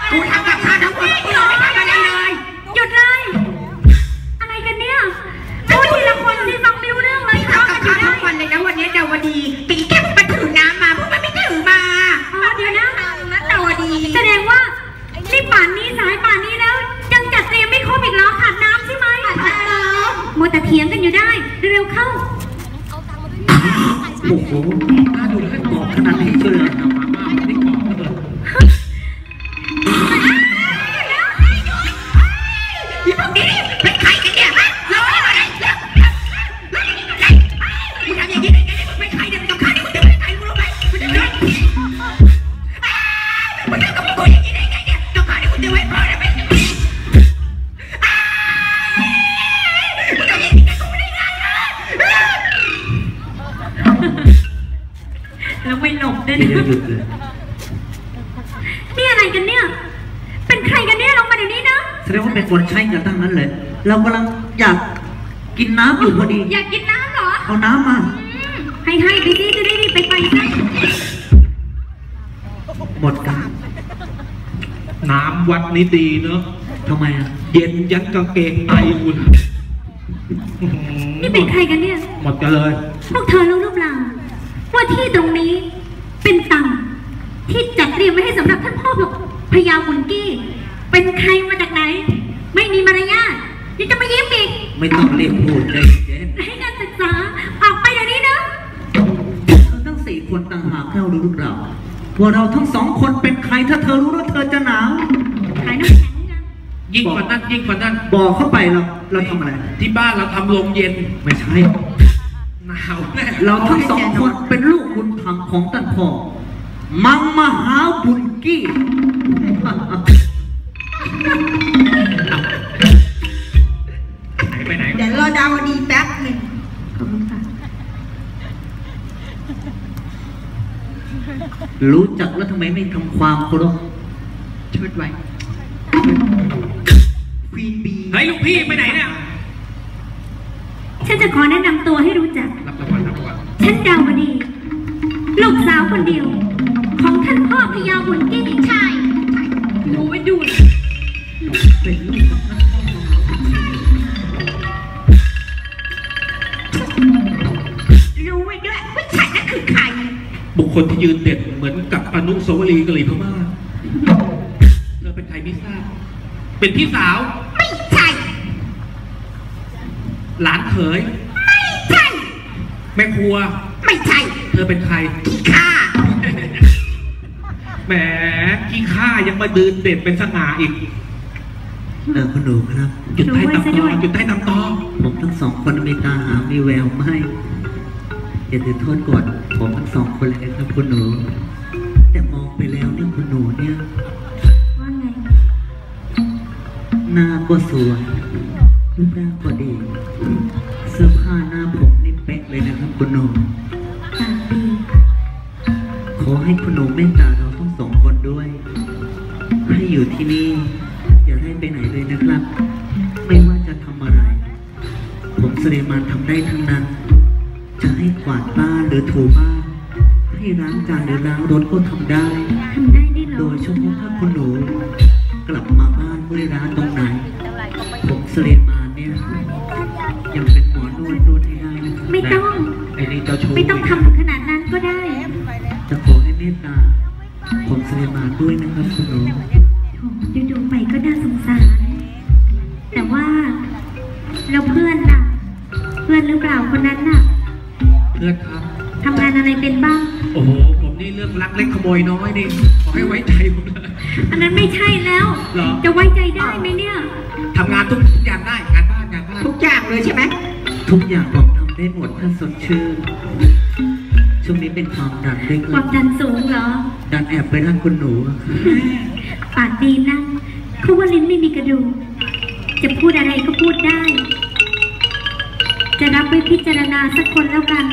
กูทำกับข้าวทั้งวันกูไม่ทำอะไรเลยหยุดเลยอะไรกันเนี่ยพูดทีละคนสิฟังไม่รู้เรื่องเลยทำกับข้าวทั้งวันเลยนะวันนี้ดาวดีตีแค่มันถือน้ำมาพวกมันไม่ถือมาเดี๋ยวนะดาวดีแสดงว่านี่ป่านนี้สายป่านนี้แล้วยังจัดเตรียมไม่ครบอีกแล้วขาดน้ำใช่ไหมมัวแต่เถียงกันอยู่ได้เร็วเข้าโอ้โหน่าดูแล้วบอกขนาดนี้เลยนะมาม่าไม่ได้กรอบเลยที่พวกนี้เป็นใครกันเนี่ยเราไม่อะไรมึงทำอย่างนี้ได้ไงมึงเป็นใครเนี่ยมึงกับข้านี่มึงจะเป็นใครมึงรู้ไหมมึงจะเป็นมึงทำกับกูอย่างนี้ได้ไงเนี่ยกับข้านี่มึงจะไว้พอได้ไหมมึงทำอย่างนี้กับกูได้ไงแล้วไม่หลบด้วยนะนี่อะไรกันเนี่ยเป็นใครกันเนี่ยลงมาเดี๋ยวนี้นะแสดงว่าเป็นคนใช้กันตั้งนั้นเลยเรากำลังอยากกินน้ำอยู่พอดีอยากกินน้ำเหรอเอาน้ำมาให้ไปสิจะได้รีบไปซะหมดกันน้ำวัดนี้ดีเนอะทำไมอ่ะเย็นยันกางเกงในอุ่นนี่เป็นใครกันเนี่ยหมดกันเลยพวกเธอรู้หรือเปล่าว่าที่ตรงนี้เป็นตังที่จัดเตรียมไว้ให้สำหรับท่านพ่อพญาบุญกี้เป็นใครมาจากไหนไม่มีมารยาทนี่จะมายิ้มอีกไม่ต้องเรียกพูดเลยเจนให้การศึกษาออกไปเดี๋ยวนี้นะเธอทั้ง4 คนต่างหากเรารู้หรือเปล่าว่าเราทั้ง2 คนเป็นใครถ้าเธอรู้แล้วเธอจะหนาวขายน้ำแข็งกันยิ่งกว่านั้นบอกเข้าไปเราทำอะไรที่บ้านเราทำโรงเย็นไม่ใช่หนาวแน่เราทั้ง2 คนเป็นลูกบุญธรรมของท่านพ่อมังมหาบุญกี้ไปไหนเดี๋ยวรอดาวดีแป๊บหนึ่งรู้จักแล้วทำไมไม่ทำความเคารพชุดไว้ควีนบีเฮ้ยลูกพี่ไปไหนเนี่ยฉันจะขอแนะนำตัวให้รู้จักรับรางวัลฉันดาวดีลูกสาวคนเดียวของท่านพ่อพญาบุญกี้ชายรู้ไว้ดูเป็นลูกรู้ไว้ด้วยว่าฉันนั่นคือใครบุคคลที่ยืนเด่นเหมือนกับอนุสาวรีย์กะหรี่พม่าเธอเป็นใครไม่ทราบเป็นพี่สาวไม่ใช่หลานเขยไม่ใช่แม่ครัวไม่ใช่เธอเป็นใครขี้ข้าแหมขี้ข้ายังมาเด่นเป็นสง่าอีกคุณหนูครับจุดใต้ตำตอจุดใต้ตำตอผมทั้ง2 คนมีตาหามีแววไม่อย่าถือโทษก่อนผมทั้ง2 คนเลยนะครับคุณหนูแต่มองไปแล้วเนี่ยคุณหนูเนี่ยว่าไงหน้าก็สวยรูปร่างก็ดีเสื้อผ้าหน้าผมนี่เป๊ะเลยนะครับคุณหนูตาดีขอให้คุณหนูเมตตาเราทั้ง2 คนด้วยให้อยู่ที่นี่อย่าให้ไปไหนเลยนะครับไม่ว่าจะทำอะไรผมสุริมานทำได้ทั้งนั้นจะให้กวาดบ้านหรือถูบ้านให้ล้างจานหรือล้างรถก็ทำได้โดยเฉพาะถ้าคุณหนูกลับมาบ้านเมื่อร้านตรงไหนผมสุริมานเนี่ยยังเป็นหมอนวดให้ได้นะครับไม่ต้องไอ้นี่เจ้าชู้ไม่ต้องทำถึงขนาดนั้นก็ได้จะขอให้เมตตาผมสุริมานด้วยนะครับคุณหนูดูไปก็น่าสงสารแต่ว่าเราเพื่อนล่ะเพื่อนหรือเปล่าคนนั้นน่ะเพื่อนครับทำงานอะไรเป็นบ้างโอ้โหผมนี่เรื่องลักเล็กขโมยน้อยนี่ขอให้ไว้ใจผมเลยอันนั้นไม่ใช่แล้วจะไว้ใจได้ไหมเนี่ยทำงานทุกอย่างได้งานบ้านทุกอย่างเลยใช่ไหมทุกอย่างผมทำได้หมดถ้าสดชื่นช่วงนี้เป็นความดันด้วยความดันสูงเหรอดันแอบไปร่างคุณหนูปากดีนะเขาว่าลิ้นไม่มีกระดูกจะพูดอะไรก็พูดได้จะรับไว้พิจารณาสักคนแล้วกัน